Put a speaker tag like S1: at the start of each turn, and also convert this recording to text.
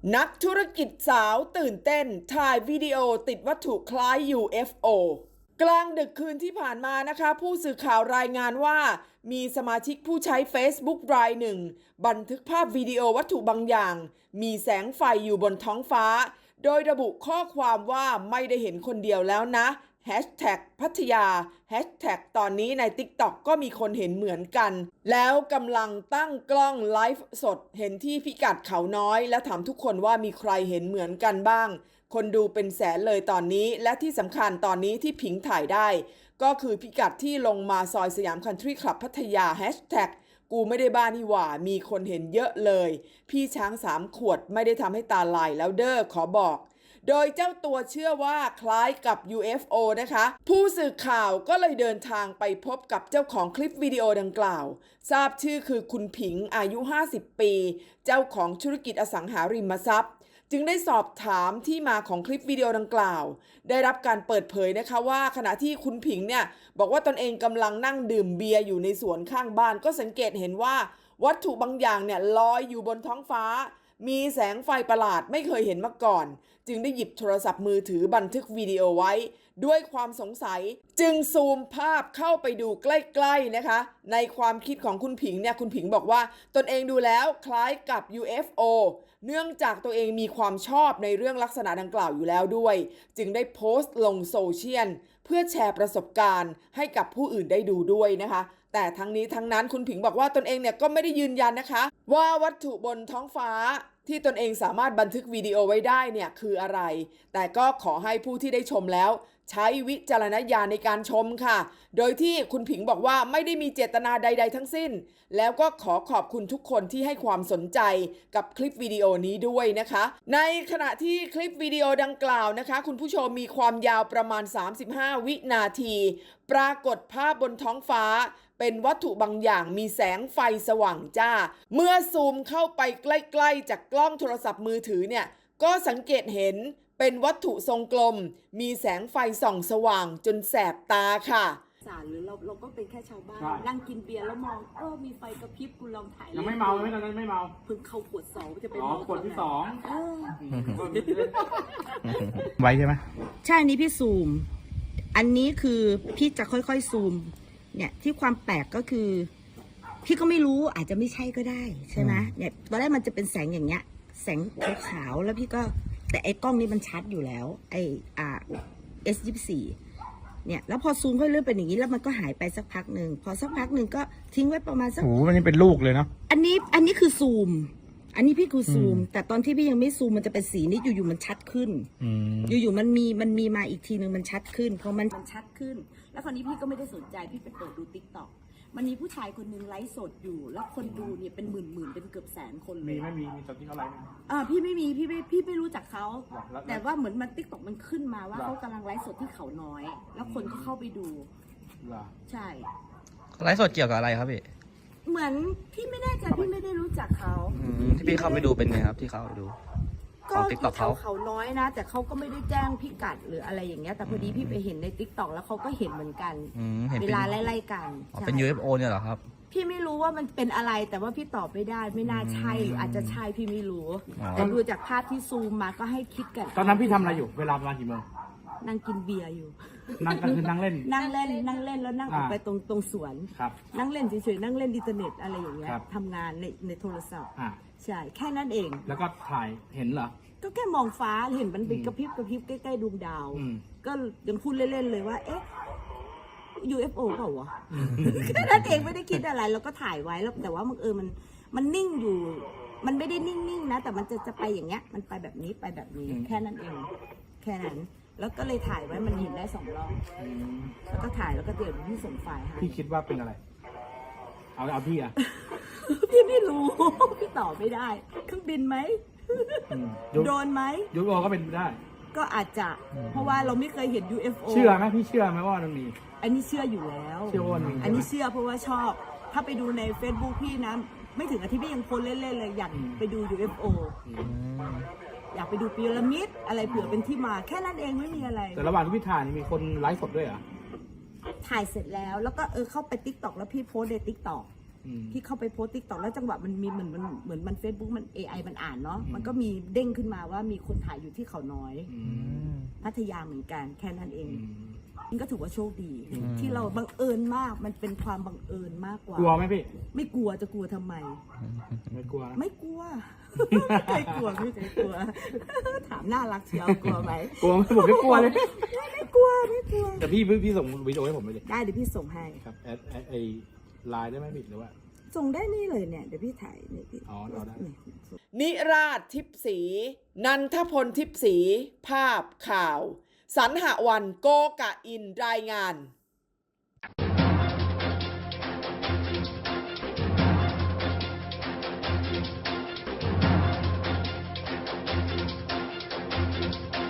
S1: นักธุรกิจสาวตื่นเต้นถ่ายวิดีโอติดวัตถุคล้าย UFO กลางดึกคืนที่ผ่านมานะคะผู้สื่อข่าวรายงานว่ามีสมาชิกผู้ใช้ Facebook รายหนึ่งบันทึกภาพวิดีโอวัตถุบางอย่างมีแสงไฟอยู่บนท้องฟ้าโดยระบุข้อความว่าไม่ได้เห็นคนเดียวแล้วนะพัทยาตอนนี้ใน TikTok ก็มีคนเห็นเหมือนกันแล้วกำลังตั้งกล้องไลฟ์สดเห็นที่พิกัดเขาน้อยและถามทุกคนว่ามีใครเห็นเหมือนกันบ้างคนดูเป็นแสนเลยตอนนี้และที่สำคัญตอนนี้ที่ผิงถ่ายได้ก็คือพิกัดที่ลงมาซอยสยามคันทรีคลับพัทยากูไม่ได้บ้านี่หว่ามีคนเห็นเยอะเลยพี่ช้าง3 ขวดไม่ได้ทำให้ตาลายแล้วเด้อขอบอกโดยเจ้าตัวเชื่อว่าคล้ายกับ UFO นะคะผู้สื่อข่าวก็เลยเดินทางไปพบกับเจ้าของคลิปวิดีโอดังกล่าวทราบชื่อคือคุณผิงอายุ50 ปีเจ้าของธุรกิจอสังหาริมทรัพย์จึงได้สอบถามที่มาของคลิปวิดีโอดังกล่าวได้รับการเปิดเผยนะคะว่าขณะที่คุณผิงเนี่ยบอกว่าตนเองกำลังนั่งดื่มเบียร์อยู่ในสวนข้างบ้านก็สังเกตเห็นว่าวัตถุบางอย่างเนี่ยลอยอยู่บนท้องฟ้ามีแสงไฟประหลาดไม่เคยเห็นมาก่อนจึงได้หยิบโทรศัพท์มือถือบันทึกวิดีโอไว้ด้วยความสงสัยจึงซูมภาพเข้าไปดูใกล้ๆนะคะในความคิดของคุณผิงเนี่ยคุณผิงบอกว่าตนเองดูแล้วคล้ายกับ UFO เนื่องจากตัวเองมีความชอบในเรื่องลักษณะดังกล่าวอยู่แล้วด้วยจึงได้โพสต์ลงโซเชียลเพื่อแชร์ประสบการณ์ให้กับผู้อื่นได้ดูด้วยนะคะแต่ทั้งนี้ทั้งนั้นคุณผิงบอกว่าตนเองเนี่ยก็ไม่ได้ยืนยันนะคะว่าวัตถุบนท้องฟ้าที่ตนเองสามารถบันทึกวิดีโอไว้ได้เนี่ยคืออะไรแต่ก็ขอให้ผู้ที่ได้ชมแล้วใช้วิจารณญาณในการชมค่ะโดยที่คุณผิงบอกว่าไม่ได้มีเจตนาใดๆทั้งสิ้นแล้วก็ขอขอบคุณทุกคนที่ให้ความสนใจกับคลิปวิดีโอนี้ด้วยนะคะในขณะที่คลิปวิดีโอดังกล่าวนะคะคุณผู้ชมมีความยาวประมาณ35 วินาทีปรากฏภาพบนท้องฟ้าเป็นวัตถุบางอย่างมีแสงไฟสว่างจ้าเมื่อซูมเข้าไปใกล้ๆจากกล้องโทรศัพท์มือถือเนี่ยก็สังเกตเห็นเป็นวัตถุทรงกลมมีแสงไฟส่องสว่างจนแสบตาค่ะ
S2: หรือเราก็เป็นแค่ชาวบ้านนั่งกินเบียร์แล้วมองมีไฟกระพริบกูลองถ่าย
S3: ยังไม่เมาไม่ตอนนั้นไม่เมา
S2: เพิ่งเข้าขวด2จะไปเมา
S3: ขวดที่2ไว้ใช่ไหม
S2: ใช่อันนี้พี่ซูมอันนี้คือพี่จะค่อยๆซูมเนี่ยที่ความแปลกก็คือพี่ก็ไม่รู้อาจจะไม่ใช่ก็ได้ใช่ไหมเนี่ยตอนแรกมันจะเป็นแสงอย่างเงี้ยแสงขาวๆแล้วพี่ก็แต่ไอ้กล้องนี้มันชัดอยู่แล้วไอ้S24เนี่ยแล้วพอซูมค่อยเลื่อนเป็นอย่างนี้แล้วมันก็หายไปสักพักหนึ่งพอสักพักหนึ่งก็ทิ้งไว้ประมาณสัก
S3: โอ้มันนี่เป็นลูกเลยเนาะ
S2: อันนี้คือซูมอันนี้พี่คือซูมแต่ตอนที่พี่ยังไม่ซูมมันจะเป็นสีนี้อยู่ๆมันชัดขึ้นอยู่ๆมันมีมาอีกทีนึงมันชัดขึ้นพอมันชัดขึ้นแล้วคราวนี้พี่ก็ไม่ได้สนใจพี่ไปเปิดดู TikTok มันมีผู้ชายคนนึงไลฟ์สดอยู่แล้วคนดูเนี่ยเป็นหมื่นเป็นเกือบแสนคนเลย
S3: มีตอนที่เขาไลฟ์
S2: พี่ไม่มีพี่ไม่รู้จักเขาแต่ว่าเหมือนมัน TikTok มันขึ้นมาว่าเขากำลังไลฟ์สดที่เขาน้อยแล้วคนก็เข้าไปดูใช่
S4: ไลฟ์สดเกี่ยวกับอะไรครับพี่
S2: เหมือนพี่ไม่แน่ใจพี่ไม่ได้รู้จักเขา
S4: ที่พี่เข้าไปดูเป็นไงครับที่เข้าไปดู
S2: ก็เขาน้อยนะแต่เขาก็ไม่ได้แจ้งพิกัดหรืออะไรอย่างเงี้ยแต่พอดีพี่ไปเห็นใน TikTok แล้วเขาก็เห็นเหมือนกันเวลาไล่ๆกัน
S4: เป็น UFO เนี่ยเหรอครับ
S2: พี่ไม่รู้ว่ามันเป็นอะไรแต่ว่าพี่ตอบไม่ได้ไม่น่าใช่หรืออาจจะใช่พี่ไม่รู้แต่ดูจากภาพที่ซูมมาก็ให้คิดกัน
S3: ตอนนั้นพี่ทำอะไรอยู่เวลาประมาณกี่โมง
S2: นั่งกินเบียร์อยู่
S3: นั่งเล่น
S2: แล้วนั่งออกไปตรงสวนนั่งเล่นเฉยๆนั่งเล่นอินเทอร์เน็ตอะไรอย่างเงี้ยทำงานในโทรศัพท์ใช่แค่นั้นเอง
S3: แล้วก็ถ่ายเห็นเหรอ
S2: ก็แค่มองฟ้าเห็นมันเป็นกระพริบใกล้ๆดวงดาวก็ยังพูดเล่นๆเลยว่าเอ๊ะ UFO เปล่าวะแค่นั้นเองไม่ได้คิดอะไรแล้วก็ถ่ายไว้แล้วแต่ว่ามันนิ่งอยู่มันไม่ได้นิ่งๆนะแต่มันจะไปอย่างเงี้ยมันไปแบบนี้แค่นั้นเองแค่นั้นแล้วก็เลยถ่ายไว้มันเห็นได้2 รอบแล้วก็ถ่ายแล้วก็เดี๋ยวพี่ส่งไฟล์ให้
S3: พี่คิดว่าเป็นอะไรเอาพี่อะ
S2: พี่ไม่รู้พี่ตอบไม่ได้เครื่องบินไหมโดนไหม
S3: UFO ก็เป็นได้
S2: ก็อาจจะเพราะว่าเราไม่เคยเห็น UFO
S3: เชื่อไหมพี่เชื่อไหมว่ามันมี
S2: อันนี้เชื่ออยู่แล้วอันนี้เชื่อเพราะว่าชอบถ้าไปดูใน Facebook พี่นะไม่ถึงอาทิตย์พี่ยังโพสเล่นๆเลยอยากไปดู UFO อยากไปดูพีระมิดอะไรเผื่อเป็นที่มาแค่นั้นเองไม่มีอะไร
S3: แต่ระหว่างที่พี่ถ่ายนี่มีคนไลฟ์สดด้วยเหรอ
S2: ถ่ายเสร็จแล้วก็เข้าไป TikTok แล้วพี่โพสใน TikTok พี่เข้าไปโพสติ๊กต็อกแล้วจังหวะมันมีเหมือนมันเฟซบุ๊กมัน AI มันอ่านเนาะมันก็มีเด้งขึ้นมาว่ามีคนถ่ายอยู่ที่เขาน้อย พัทยาเหมือนกันแค่นั้นเองมันก็ถือว่าโชคดี ที่เราบังเอิญมากมันเป็นความบังเอิญมากกว่าก
S3: ลัวไหมพี่
S2: ไม่กลัวจะกลัวทำไม
S3: ไม่กลัวนะ
S2: ไม่กลัว ไม่เคยกลัวไม่เคยกลัว ถามน่ารักเชียวกลัวไหม
S3: กลัวไหมผมไม่กลัวเลย
S2: ไม่กลัวไม่กลัว
S3: แต่พี่ส่งวิดีโอให้ผมไปเลย
S2: ได้เดี๋ยวพี่ส่งให้
S3: ครับแอดไอไลน์ได้ไหมพี่หรือว่า
S2: ส่งได้นี่เลยเนี่ยเดี๋ยวพี่ถ่ายนี่พี่
S3: อ๋อเอาได้
S1: นิราชทิพย์ศรีนันทพลทิพย์ศรีภาพข่าว สรรหวันโกกะอินรายงาน